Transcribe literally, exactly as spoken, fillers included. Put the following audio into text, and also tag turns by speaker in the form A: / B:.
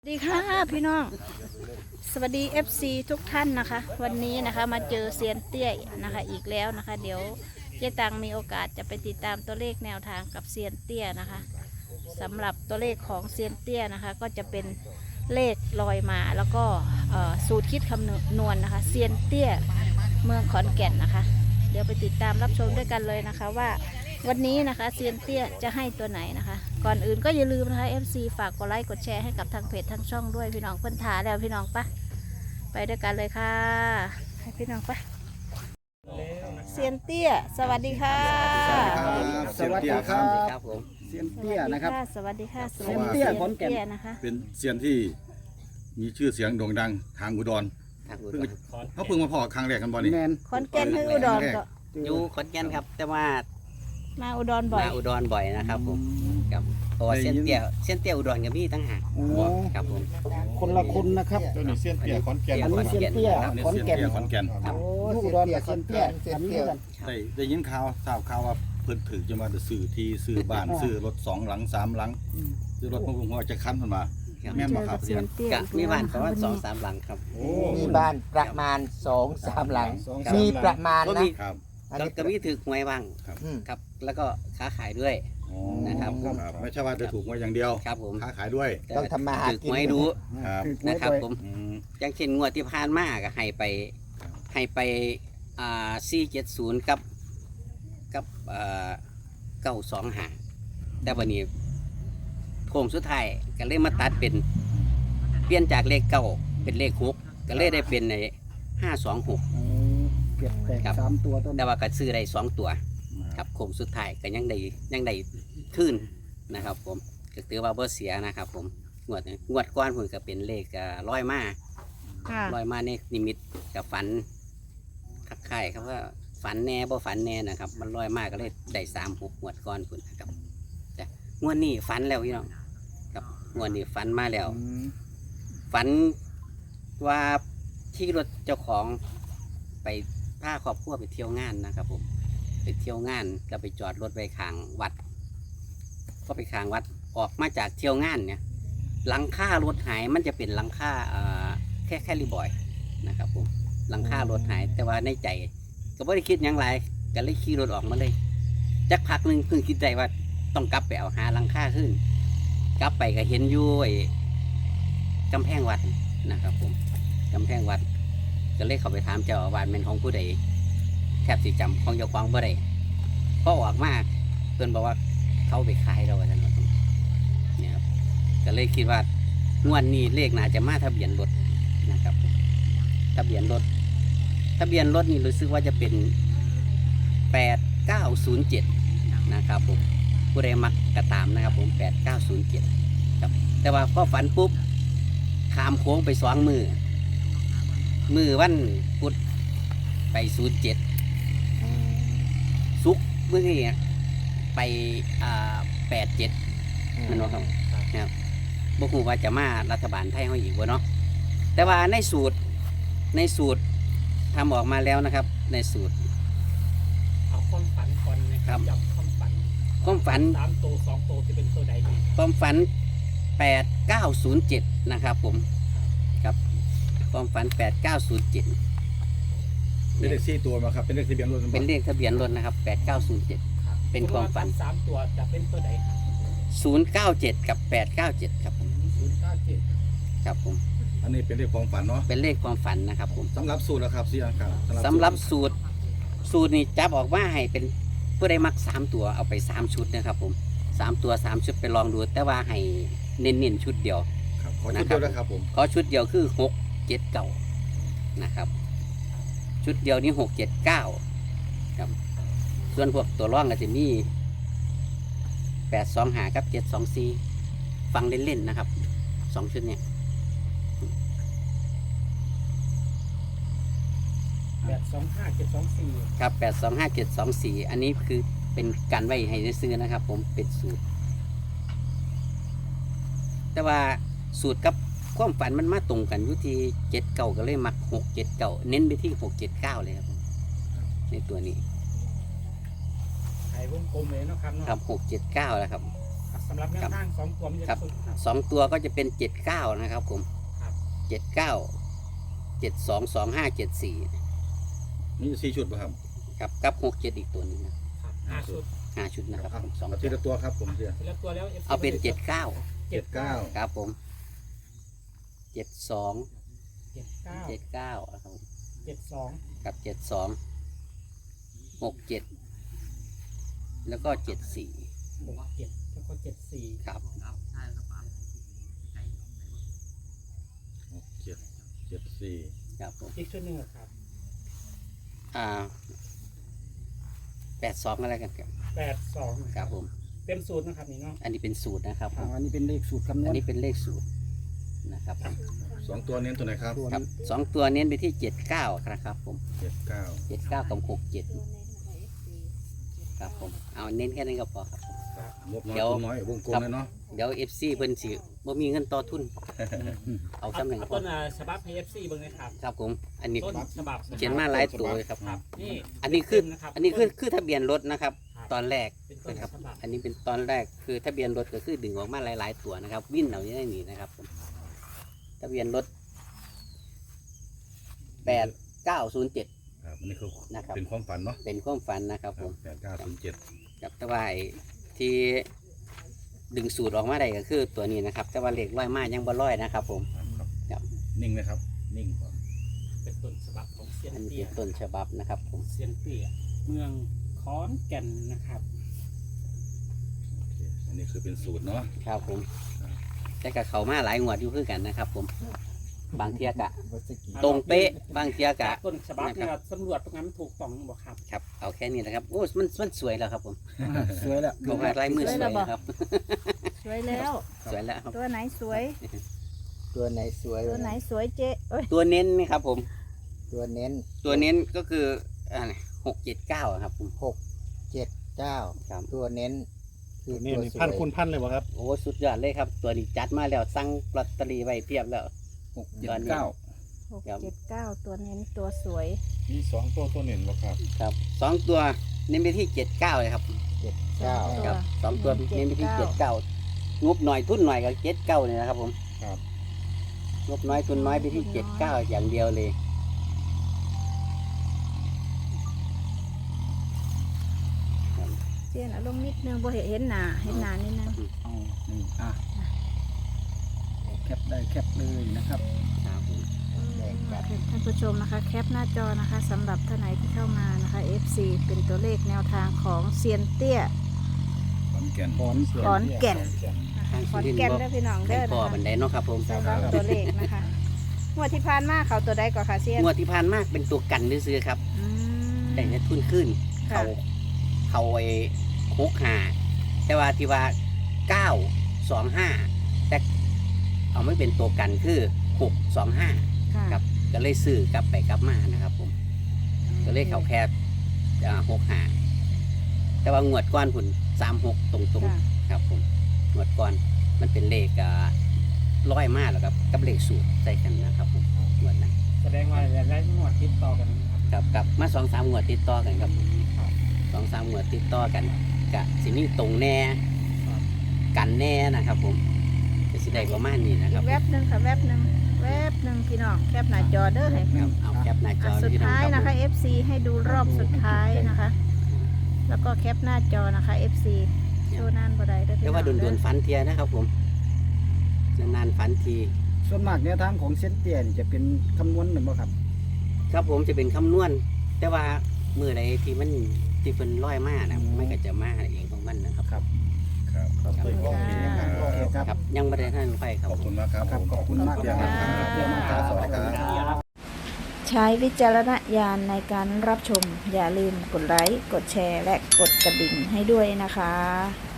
A: สวัสดีค่ะพี่น้องสวัสดี เอฟ ซี ทุกท่านนะคะวันนี้นะคะมาเจอเซียนเตี้ยนะคะอีกแล้วนะคะเดี๋ยวเจ๊ตังมีโอกาสจะไปติดตามตัวเลขแนวทางกับเซียนเตี้ยนะคะสำหรับตัวเลขของเซียนเตี้ยนะคะก็จะเป็นเลขลอยมาแล้วก็สูตรคิดคำนวณนะคะเซียนเตี้ยเมืองขอนแก่นนะคะเดี๋ยวไปติดตามรับชมด้วยกันเลยนะคะว่าวันนี้นะคะเซียนเตี้ยจะให้ตัวไหนนะคะก่อนอื่นก็อย่าลืมนะคะ เอฟ ซี ฝากกดไลค์กดแชร์ให้กับทางเพจทางช่องด้วยพี่น้องเพื่อนถาแล้วพี่น้องปะไปด้วยกันเลยค่ะให้พี่น้องปะเซียนเตี้ยสวัสดีค่ะ
B: สวัสดีครับ
C: ครับผม
B: เซียนเตี้ยนะครับ
A: สวัสดีค่ะส
B: เซี
A: วัส
B: ยน
A: ดี
B: เตี้ย
A: ค่ะ
B: ขอนแก่น
A: เซียนเตี้ยนะคะ
D: เป็นเซียนที่มีชื่อเสียงโด่งดังทางอุดร
C: ทางอุด
D: เพิ่ง
C: ร
D: เขาเพิ่งมาพอครั้งแรกกันบ่นี่
B: แมน
A: ขอนแก่นให้อุดรก็
C: อยู่ขอนแก่นครับ แต่ว่า
A: มาอุดรบ่อย
C: มาอุดรบ่อยนะครับผมครับเพราะว่าเส้นเตี้ยเส้นเตี้ยอุดรกับพี่ตั้งหาก
B: โอ้
C: ครับผม
B: คนละคนนะครับ
D: เจ้าหนี่เซียนเตี้ยขอนแก่น
B: อันนี้เซียนเตี้ย
D: อันนี้
B: ขอน
D: เซียน
B: แก่น
D: เตี้ยขอนแก่น
B: โอ้ลูกดอนกับเซียนเตี้ยอันนี้กัน
D: ได้ได้ยินข่าวทราบข่าวว่าเพิ่นถือจะมาจะซื้อที่ซื้อบ้านซื้อรถสองหลังสามหลังซื้อรถมาพุ่งหัวจะคันเพิ่นมา
C: ครับ
D: แม่น
A: เจ
D: บ่
A: อ
D: ครั
A: กั
D: บบ
A: เซียนเตี้ย
C: กะมีบ้านประมาณสองสามหลังครับ
D: โอ้
E: มีบ้านประมาณสองสามหลัง
C: ครับ
E: มีประมาณ
C: ก็
E: นะ
C: มี
D: ครับ
E: อัน
C: ก็
E: นี้
C: ก็มีถือหวยบ้าง
E: อืม
C: ครับ แล้วก็ค้าขายด้วย
D: อ๋อ
C: นะครับ
D: ครับไม่ใช่ว่าจะถูกมาอย่างเดียว
C: ครับผม
D: ค้าขายด้วย
E: ต้องทำมาหา
C: ถือ
E: กิน
C: หวยดู
D: ครับ
C: นะครับผม
D: อืม
C: อย่างเช่นงวดที่ผ่านมาก็ให้ไปให้ไปอ่าสี่เจ็ดศูนย์กับกับเอ่อเก้าสองหาแต่วันนี้โค้งสุดท้ายก็เลยมาตัดเป็นเปลี่ยนจากเลขเก้าเป็นเลขหกก็เลยได้เป็นในห้าสองหก
B: โอ้เก็บแตก
C: ครับ
B: สามตัวต้น
C: แต่ว่าก็ซื้อได้สองตัวครับโค้งสุดท้ายก็ยังได้ยังได้ขึ้นนะครับ ผมก็ถือว่าบ่เสียนะครับ ผมงวดนี้งวดก้อนผมก็เป็นเลขอ่าร้อยมา
A: ค่ะ
C: ลอยมาในนิมิตกับฝันคักไข่ครับว่าฝันแน่บ่ฝันแน่นะครับ มันลอยมากก็เลยได้สามหกงวดก้อนคุณนะครับจ้ะงวดนี้ฝันแล้วพี่น้องครับงวดนี้ฝันมาแล้ว
B: อืม
C: ฝันว่าที่รถเจ้าของไปพาครอบครัวไปเที่ยวงานนะครับ ผมไปเที่ยวงานก็ไปจอดรถไว้ข้างวัด ก็ไปข้างวัดออกมาจากเที่ยวงานเนี่ยหลังคารถหายมันจะเป็นหลังคาเอ่อแค่แค่รีบอยนะครับผมหลังคารถหายแต่ว่าในใจก็ไม่ได้คิดอย่างไรก็เลยขี่รถออกมาเลยจักพักหนึ่งเพิ่งคิดใจว่าต้องกลับไปเอาหาหลังคาขึ้น กลับไปก็เห็นอยู่ไอ้กำแพงวัดนะครับผมกำแพงวัดก็เลยเข้าไปถามเจ้าอาวาสเป็นของผู้ใดแทบสิจำของเจ้าของบ่ได้พอออกมาเพื่อนบอกว่าเขาไปขายเราว่าท่านว่าเนี่ยครับก็เลยคิดว่างวดนี้เลขน่าจะมาทะเบียนรถนะครับทะเบียนรถทะเบียนรถนี่รู้สึกว่าจะเป็นแปดเก้าศูนย์เจ็ดนะครับผมผู้ใดมักกระตามนะครับผมแปดเก้าศูนย์เจ็ดครับแต่ว่าพอฝันปุ๊บขามโค้งไปสองมือมือวันพุธไปศูนย์เจ็ดซุกเมื่อกี้ไปอ่าแปดเจ็ดมันว่าครับนะครับบุกว่าจะมารัฐบาลไทยเขาอีกวะเนาะแต่ว่าในสูตรในสูตรทำออกมาแล้วนะครับ ในสูตร
F: เอาความฝันก่อนนะครับย้ำความฝัน
C: ความฝัน
F: สามตัวสองตัวที่เป็นตัวใดดี
C: ความฝันแปดเก้าศูนย์เจ็ดนะครับผมครับความฝันแปดเก้าศูนย์เจ็ด
D: เป็นเลขสี่ตัวมาครับเป็นเลขทะเบียนรถ
C: เป็นเลขทะเบียนรถนะครับแปดเก้าศูนย์เจ็ด
F: ครับ
C: เป็นความฝัน
F: สามตัวจะเป็นตัวใดครับ
C: ศูนย์เก้าเจ็ดกับแปดเก้าเจ็ดครับผม
F: ศูนย์เก้าเจ็ด
C: ครับผม
D: อันนี้เป็นเลขความฝันเนาะ
C: เป็นเลขความฝันนะครับผม
D: สำหรับสูตรแล้วครับเสียครับ
C: สำหรับสูตรสูตรนี่จับออกมาให้เป็นผู้ใดมักสามตัวเอาไปสามชุดนะครับผมสามตัวสามชุดไปลองดู แต่ว่าให้เน้นๆชุดเดียว
D: ครับขอชุดเดียวนะครับผม
C: ขอชุดเดียวคือหกเจ็ดเก้านะครับ ชุดเดียวนี้หกเจ็ดเก้าครับส่วนพวกตัวร่องก็จะมีแปดสองหากับเจ็ดสองสี่ฟังเล่นๆนะครับสองชุดเนี่ย
F: แปดสองห้าเจ็ดสองสี่
C: ครับแปดสองห้าเจ็ดสองสี่อันนี้คือเป็นการไว้ให้ซื้อนะครับ ผมเป็นสูตร แต่ว่าสูตรกับความฝันมันมาตรงกันอยู่ที่เจ็ดเก้าก็เลยมักหกเจ็ดเก้าเน้นไปที่หกเจ็ดเก้าเลยครับผมในตัวนี้
F: ไอ้วงกลมเลยเนาะครับเนาะ
C: ครับหกเจ็ดเก้าแล้วครับ
F: สำหรับแนวทางสองตัวมันจะ
C: ครับ
F: สุดครับ
C: สองตัวก็จะเป็นเจ็ดเก้านะครับผม
F: ครับ
C: เจ็ดเก้าเจ็ดสองสองห้าเจ็ดสี่
D: นี่สี่ชุดป่ะครับ
C: ครับกับหกเจ็ดอีกตัวหนึงนะครับ
F: ห้าชุด
C: ห้าชุดนะครับ
D: เอา
C: ผมสอง
D: เอาทีละตัวครับผมเสีย
F: ทีละตัวแล้ว เอฟซี
C: เอาเป็นเจ็ดเก้า
D: เจ็ดเก้า
C: ครับผมเจ็ดสอง
F: เจ็ดเก้า
C: เจ็ดเก้าครับผม
F: เจ็ดสอง
C: กับเจ็ดสองหกเจ็ดแล้วก็เจ็ดสี่
F: หกเจ็ดแล้วก็เจ็ดสี่
C: ครับ
D: หกเจ็ดเจ็ดสี่
C: ครับผม
F: อีกชุดหนึ่งอะครับ
C: อ่าแปดสองอะไรกันครับ
F: แปดสอง
C: ครับผม
F: เป็นสูตรนะครับนี่เนาะ
C: อันนี้เป็นสูตรนะครับผ
B: อ่าม อันนี้เป็นเลขสูตรคำนว
C: อัน
B: ณ
C: นี้เป็นเลขสูตรนะครับ
D: สองตัวเน้นตัวไหนครับ
C: ครับสองตัวเน้นไปที่เจ็ดเก้าครับผม
D: เจ็ดเก้า
C: เจ็ดเก้ากับหกเจ็ดครับผมเอาเน้นแค่นั้นก็พอครับ
D: งบน้อย
C: เดี๋ยว
D: ตัวน้อยวงกลมเลยเนาะ
C: เดี๋ยวเอฟซีเพิ่นสิบ่มีเงินต่อทุน เอา
F: เอา
C: จำหนึ่ง
F: เอา
C: พอ
F: ต้นอ่าฉบับให้เอฟซีเบิ่งนะครับ
C: ครับผม อันนี้
F: ต้นฉบับ
C: เขียนมาหลายตัวเลยครับ
F: ครับนี่
C: อันนี้คือ
F: นะครับ
C: อันนี้คือคือทะเบียนรถนะครับ
F: ครับ
C: ตอนแรก
F: เป็นต้น
C: นะครับ
F: ฉบับ
C: อันนี้เป็นตอนแรกคือทะเบียนรถก็คือดึงออกมาหลาย ๆ ตัวนะครับ วิ่นเอาอย่างนี้นะครับผมทะเบียนรถแปดเก้าศูนย์เจ็ด
D: ครับอันนี้คือ
C: นะครับ
D: เป็นความฝันเนาะ
C: เป็นความฝันนะครับผม
D: แปดเก้าศูนย์เจ็ด
C: กับแต่ว่าไอ้ที่ดึงสูตรออกมาได้ก็คือตัวนี้นะครับ แต่ว่าเหล็กร้อยมายังบ่ร้อยนะครับ ผม
D: ครับ
C: ครับ
D: นิ่งนะครับ นิ่งก่อน
F: เป็นต้นฉบับของเซียน
C: อันนี้
F: เตี้
C: เป็
F: ย
C: นต้นฉบับนะครับ ผม
F: เซียนเตี้ยเมืองขอนแก่นนะครับ
D: โอเคอันนี้คือเป็นสูตรเนาะ
C: ครับผม แต่กับเขามาหลายงวดอยู่คือกันนะครับ ผม บางเทียกะ ตรงเป๊ะบางเทียกะ
F: ต้นฉบับเนี่ยสำรวจตรงนั้นถูกต้องบอกครับ
C: ครับ เอาแค่นี้นะครับโอ้มันมันสวยแล้วครับ ผม
B: สวยแล้ว
C: เขามาลายมือสวยครับ
A: สวยแล้ว
C: สวยแล้วครับ
A: ตัวไหนสวย
E: ตัวไหนสวย
A: ตัวไหนสวยเจ๊เอ้ย
C: ตัวเน้นนี่ครับ ผม
E: ตัวเน้น
C: ตัวเน้นก็คืออ่าหกเจ็ดเก้าครับผม
E: หกเจ็ดเก้า
C: ครับ
E: ตัวเน้น คือ
B: นี่
E: ตัว
B: นี่
E: สวย
B: พันคูณพันเลยวะครับ
C: โอ้สุดยอดเลยครับ ตัวนี้จัดมาแล้วสั่งลอตเตอรี่ไว้เพียบแล้ว
D: หกเจ็ดเก้า
A: หกเจ็ดเก้าตัวเน้นตัวสวย
D: มีสองตัวตัวเน้นบ่ครับ
C: ครับสองตัวเน้นไปที่เจ็ดเก้าเลยครับ
E: เจ็ดเก้า
A: ตัว
C: ครับสองตัว
A: เน้
C: เน้น
A: น
C: ไป
A: เจ็
C: ที่
A: ด
C: เจ็ด
A: เก้า
C: เก้างบหน่อยทุนหน่อยกับเจ็ดเก้าเนี่ยนะครับ ผม
D: ครับ
C: งบน้อยทุนน้อยไปที่เจ็ดเก้าอย่างเดียวเลย
A: เจ๊นะลงนิดนึงบ่เห็นเห็นหน้าเห็นหน้านิดนึง
B: อ๋อนี่อ่ะแคปได้แคปเลยนะครับ
C: ครับผม
A: ท่านผู้ชมนะคะ แคปหน้าจอนะคะสำหรับท่านไหนที่เข้ามานะคะ เอฟ ซี เป็นตัวเลขแนวทางของเซียนเตี้ย
D: ขอนแก่น
B: ขอน
A: ขอนแก่น
C: ทาง
A: ข
C: สุ
A: อน
C: รินทร์
A: แก่น
C: บ่
A: เด้อพี่น้อง
C: ให้
A: เด้อ
C: พ่อ
A: นะ
C: บัน
A: คะ
C: ไดเนาะครับผม
A: สำหรับตัวเลขนะคะงวดที่ผ่านมาเขาตัวใดก่อนค่ะเซียน
C: งวดที่ผ่านมากเป็นตัวกันซื้อๆครับ
A: อืม
C: ได้เงินทุนขึ้น
A: ค่ะ
C: เขาเขาไอ้หกหาแต่ว่าที่ว่าเก้าสองห้าแต่เอาไม่เป็นตัวกันคือหกสองห้า
A: ค่ะ
C: ครับก็เลยซื้อกลับไปกลับมานะครับ ผม ก็เลยเขาแค่หกหาแต่ว่างวดก้อนผุนสามหกตรง
A: ค่ะ
C: ๆครับผมงวดก้อนมันเป็นเลขอ่าร้อยมากแล้วครับกับเลขสูตรใส่กันนะครับผมงวดนั้น
F: แสดงว่าหลายๆงวดติดต่อกันนะครับ
C: ครับกับมาสองสามงวดติดต่อกันครับ
F: ครับ
C: สองสามงวดติดต่อกันกะสิมีตรงแน่
F: ครับ
C: กันแน่นะครับ ผมจะสิได้ประมาณนี้นะค
A: อี
C: รับ
A: กแวบหนึ่งค่ะแวบหนึ่งแวบหนึ่งพี่น้องแคปหน้าจอเด้อให้
C: ครับเอาแคปหน้าจ
A: อ่ะ
C: อ
A: สุด
C: พี่น้อง
A: ท้าย
C: ครับ
A: นะคะ
C: ผม
A: เอฟ ซี ให้ดูรอบสุดท้ายนะคะ แล้วก็แคปหน้าจอนะคะ เอฟ ซี โชว์นานบ่ได้เด้อพี่
C: แต่
A: น้อง
C: ว่าโดน
A: เด้
C: โด
A: อน
C: ๆฝันเทียนะครับ ผมจะนานฝันที
B: ส่วนมากแนวทางของเส้นเตี้ยนี่จะเป็นคำนวณเหมือนบ่ครับ
C: ครับผมจะเป็นคำนวณ แต่ว่ามือใดที่มันที่เป็นร้อยมากนะมันก็จะมาเองของมันนะครับ
B: ครับ
D: ครับ
B: ขอบคุณครับโอเคครับ
C: ครับยังไม่ได้ท่านไฟครับ
D: ขอบคุณมากครับ
B: ครับขอบคุณมาก
D: เดี๋ยว
B: ครับ
D: เดี๋ยวมาครับสวัสดีครับ
A: ใช้วิจารณญาณในการรับชม อย่าลืมกดไลค์ กดแชร์ และกดกระดิ่งให้ด้วยนะคะ